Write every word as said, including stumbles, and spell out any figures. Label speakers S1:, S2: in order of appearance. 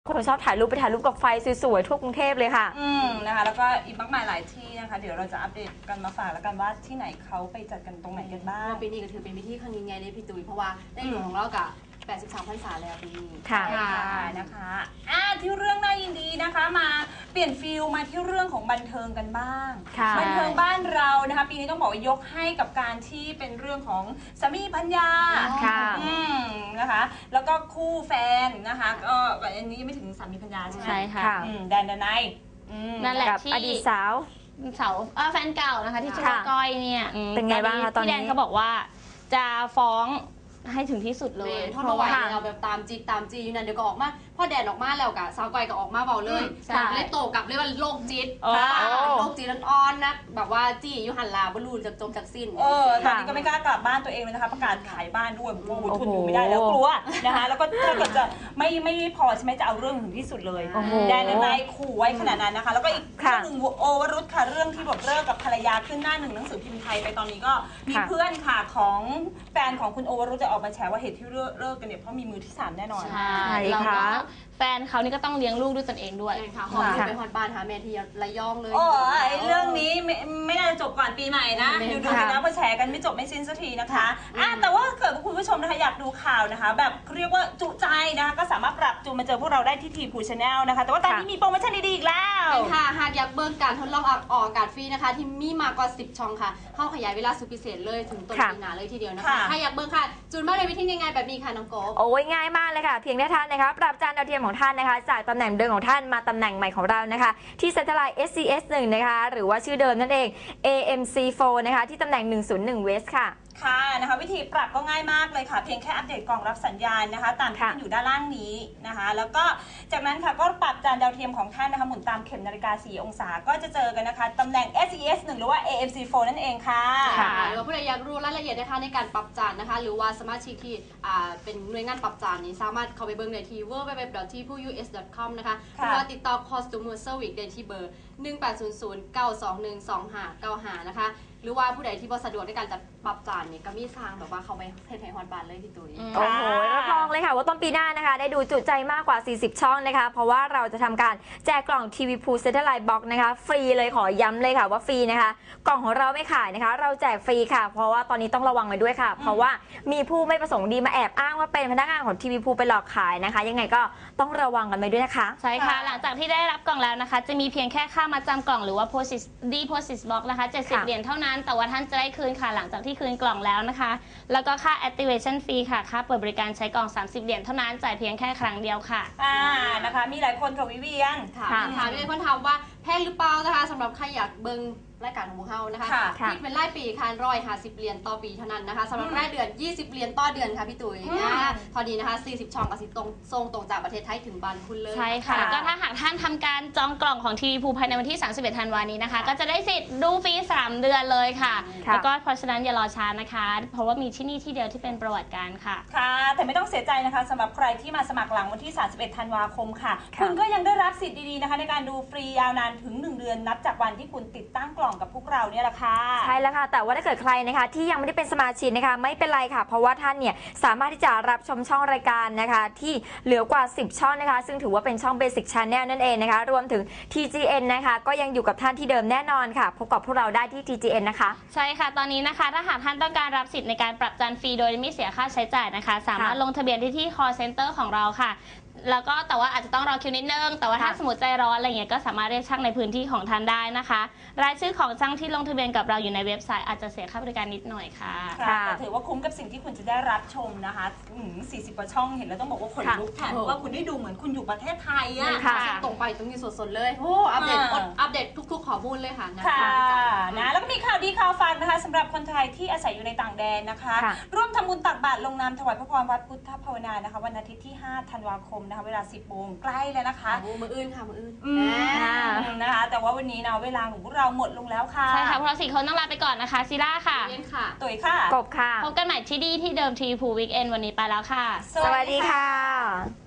S1: คนชอบถ่ายรูปไปถ่ายรูปกับไฟสวยๆทั่วกรุงเทพเลยค่ะ
S2: อืมนะคะแล้วก็อีกมากมายหลายที่นะคะเดี๋ยวเราจะอัปเดตกันมาฝากแล้วกันว่าที่ไหนเขาไปจัดกันตรงไหนกันบ้าง
S3: ปีนี้ก็ถือเป็นพิธีครั้งยิ่งใหญ่เลยพี่ตุ้ยเพราะว่าในหลวงของเรากับแปดสิบสามพรรษาแล้วปีนี้
S1: ค่ะ
S2: นะคะอ่าที่เรื่องน่ายินดีนะคะมาเปลี่ยนฟิลมาที่เรื่องของบันเทิงกันบ้างบันเทิงบ้านเรานะคะปีนี้ต้องบอกว่ายกให้กับการที่เป็นเรื่องของสามีภรรยา
S1: ค่ะ
S2: อืมนะคะแล้วก็คู่แฟนนะคะก็อันนี้ยังไม่ถึงสามีภรรยาใช่ไหม
S4: ใช่ค่ะ
S2: แดนดนาย
S4: นั่นแหละที่
S1: อดีตสาว
S4: สาวแฟนเก่านะคะที่ชื่อว่าก้อยเนี่ย
S1: เป็นไงบ้างคะตอนนี้
S4: พี่แดนเขาบอกว่าจะฟ้องให้ถึงที่สุดเลย
S3: เพราะว่าเราแบบตามจีตามจีอยู่นั่นเดี๋ยวก็ออกมาพอแดดออกมาแล้วกะสาวก้อยก็ออกมาเบาเลยเลยโตกลับเลยว่าโรคจิตโรคจิตอ่อนนะแบบว่าจีอยู่หันลาบรูจากจมจากสิ้น
S2: เออตอนนี้ก็ไม่กล้ากลับบ้านตัวเองเลยนะคะประกาศขายบ้านด้วยโอ้โหทุนอยู่ไม่ได้แล้วกลัวนะคะแล้วก็ถ้าเกิดจะไม่ไม่พอใช่ไหมจะเอาเรื่องถึงที่สุดเลยแดนนายขู่ไว้ขนาดนั้นนะคะแล้วก็อีกเรื่องหนึ่งโอวรุธค่ะเรื่องที่บอกเลิกกับภรรยาขึ้นหน้าหนึ่งหนังสือพิมพ์ไทยไปตอนนี้ก็มีเพื่อนค่ะของแฟนของคุณโอวรุธจะออกมาแฉว่าเหตุที่เลิกกันเนี่ยเพราะมีมือที่สามแน่นอน
S4: ใช่ค่ะแฟนเขานี่ก็ต้องเลี้ยงลูกด้วยตนเองด้วย
S3: ค่ะหอมไปหอดบ้านหาแม่ที่ระยองเลย
S2: โอ้ยเรื่องนี้ไม่ไม่น่าจะจบก่อนปีใหม่นะดูดูกันนะเพราะแชร์กันไม่จบไม่สิ้นสักทีนะคะอ่ะแต่ว่าเกิดคุณผู้ชมนะคะอยากดูข่าวนะคะแบบเรียกว่าจุใจนะคะก็สามารถปรับจูนมาเจอพวกเราได้ที่ทีพูชแนลนะคะแต่ว่าตอนนี้มีโปรโมชั่นดีๆอีกแล้ว
S3: ค่ะหากอยากเบิกการทดลองออกอากาศฟรีนะคะที่มีมากกว่าสิบช่องค่ะเข้าขยายเวลาสุดพิเศษเลยถึงต้นปีหน้าเลยทีเดียวนะคะถ้าอยากเบิกค่ะจูนมาเลยวิธีง่ายๆแบบนี้ค่ะน้องโก๊
S1: โอ้ยง่ายมากเลยค่ะเพียงแค่ท่านนะคะปรับจานดาวเทียมของท่านนะคะจากตำแหน่งเดิมของท่านมาตำแหน่งใหม่ของเรานะคะที่ Satellite เอส ซี เอส หนึ่ง นะคะหรือว่าชื่อเดิมนั่นเอง เอ เอ็ม ซี โฟร์ นะคะที่ตำแหน่งหนึ่งศูนย์หนึ่ง West ค่ะ
S2: ค่ะนะคะวิธีปรับก็ง่ายมากเลยค่ะเพียงแค่อัปเดตกล่องรับสัญญาณนะคะตามที่อยู่ด้านล่างนี้นะคะแล้วก็จากนั้นค่ะก็ปรับจานดาวเทียมของท่านนะคะหมุนตามเข็มนาฬิกาสี่องศาก็จะเจอกันนะคะตำแหน่ง เอส ซี เอส หนึ่ง หรือว่า เอ เอ็ม ซี โฟร์ นั่นเองค่ะ
S3: ค่ะหรือว่าผู้ใดอยากรู้รายละเอียดนะคะในการปรับจานนะคะหรือว่าสมาชิกที่อ่าเป็นหน่วยงานปรับจานนี้สามารถเข้าไปเบิ่งได้ที่ ดับเบิลยู ดับเบิลยู ดับเบิลยู ดอท ที พู ยู เอส ดอท คอม นะคะหรือว่าติดต่อ Customer Service ได้ที่เบอร์หนึ่ง แปด ศูนย์ ศูนย์ เก้า สอง หนึ่ง สอง ห้า เก้า ห้านะคะหรือว่าผู้ใดที่บ่สะดวกในการจะปรับจานเนี่ยก็มีทางแบบว่าเขาไปเทปไทยฮอนบานเลยพี่ตุ้ย
S1: โอ้โหรับรองเลยค่ะว่าต้นปีหน้านะคะได้ดูจุใจมากกว่าสี่สิบช่องนะคะเพราะว่าเราจะทำการแจกกล่องทีวีพูเซตเทอร์ไลน์บ็อกนะคะฟรีเลยขอย้ำเลยค่ะว่าฟรีนะคะกล่องของเราไม่ขายนะคะเราแจกฟรีค่ะเพราะว่าตอนนี้ต้องระวังไว้ด้วยค่ะเพราะว่ามีผู้ไม่ประสงค์ดีมาแอบอ้างว่าเป็นพนักงานของทีวีพูไปหลอกขายนะคะยังไงก็ต้องระวังกันไปด้วยนะคะ
S4: ใช่ค่ะหลังจากที่ได้รับกล่องแล้วนะคะจะมีเพียงแค่ค่ามาจำกล่องหรือว่า deposit box นะคะเจ็ดสิบเหรียญเท่านั้นแต่ว่าท่านจะได้คืนค่ะหลังจากที่คืนกล่องแล้วนะคะแล้วก็ค่า activation fee ค่ะค่าเปิดบริการใช้กล่องสามสิบเหรียญเท่านั้นจ่ายเพียงแค่ครั้งเดียวค่ะ
S2: อ่านะคะมีหลายคนค่ะวิเวียน
S3: ค่ะถามมีหลายคนถามว่าแพงหรือเปล่านะคะสำหรับใครอยากเบิ่งรายการของพวกเรานะคะคิดเป็นรายปีค่ะร้อยห้าสิบเหรียญต่อปีเท่านั้นนะคะสำหรับรายเดือนยี่สิบเหรียญต่อเดือนค่ะพี่ตุ๋ยนะพอดีนะคะสี่สิบช่องกับสิตรงส่งตรงจากประเทศไทยถึงบ้านคุณเลย
S4: ใช่ค่ะแล้วก็ถ้าหากท่านทำการจองกล่องของทีวีพูภายในวันที่สามสิบเอ็ดธันวาคมนี้นะคะก็จะได้สิทธิ์ดูฟรีสามเดือนเลยค่ะแล้วก็เพราะฉะนั้นอย่ารอช้านะคะเพราะว่ามีที่นี่ที่เดียวที่เป็นประวัติการค่ะ
S2: ค่ะแต่ไม่ต้องเสียใจนะคะสำหรับใครที่มาสมัครหลังวันที่สามสิบเอ็ดธันวาคมค่ะคุณก็ยังได้รับสิทธิ์ดีๆนะคะในการดูฟรียาวนานถึงหนึ่งเดือนนับจากวันที่คุณติดตั้งกล่องกับพวกเราเนี่ย
S1: ใช่แล้วค่ะแต่ว่าถ้าเกิดใครนะคะที่ยังไม่ได้เป็นสมาชิกนะคะไม่เป็นไรค่ะเพราะว่าท่านเนี่ยสามารถที่จะรับชมช่องรายการนะคะที่เหลือกว่าสิบช่องนะคะซึ่งถือว่าเป็นช่อง Basic Channel นั่นเองนะคะรวมถึง ที จี เอ็น นะคะก็ยังอยู่กับท่านที่เดิมแน่นอนค่ะพบกับพวกเราได้ที่ ที จี เอ็น นะคะ
S4: ใช่ค่ะตอนนี้นะคะถ้าหากท่านต้องการรับสิทธิ์ในการปรับจานฟรีโดยไม่เสียค่าใช้จ่ายนะคะสามารถลงทะเบียนที่ที่ call center ของเราค่ะแล้วก็แต่ว่าอาจจะต้องรอคิวนิดนึงแต่ว่าถ้าสมมติใจร้อนอะไรเงี้ยก็สามารถเรียกช่างในพื้นที่ของท่านได้นะคะรายชื่อของช่างที่ลงทะเบียนกับเราอยู่ในเว็บไซต์อาจจะเสียค่าบริการนิดหน่อยค่ะ
S2: แต่ถือว่าคุ้มกับสิ่งที่คุณจะได้รับชมนะคะสี่สิบกว่าช่องเห็นแล้วต้องบอกว่าขนลุกแทนเพราะว่าคุณได้ดูเหมือนคุณอยู่ประเทศไทยอ่ะ
S3: ตรงไปตรงนี้สดๆเลยโอ้อัปเดตอัปเดตทุกๆข้อมูลเลยค่ะ
S2: ค่ะนะแล้วก็มีข่าวดีข่าวฟังนะคะสำหรับคนไทยที่อาศัยอยู่ในต่างแดนนะคะร่วมทำบุญตักบาตรลงนามถวายพระพรวัดพุทธภาวนานะคะวันอาทิตย์ที่ห้าธันวาคมนะคะเวลาสิบโมงใกล้แล้วนะคะ
S3: มืออื่นค่ะมืออื่น
S2: นะคะแต่ว่าวันนี้นะเวลาของพวกเราหมดลงแล้วค่ะ
S4: ใช่ค่ะพวกเราสี่คนต้องลาไปก่อนนะคะซิล่าค่ะ
S3: เย็นค่ะ
S2: ตุ๋ยค่ะ
S1: กบค่ะ
S4: พบกันใหม่ที่ดีที่เดิมทีพูวิกเอนวันนี้ไปแล้วค่ะ
S1: สวัสดีค่ะ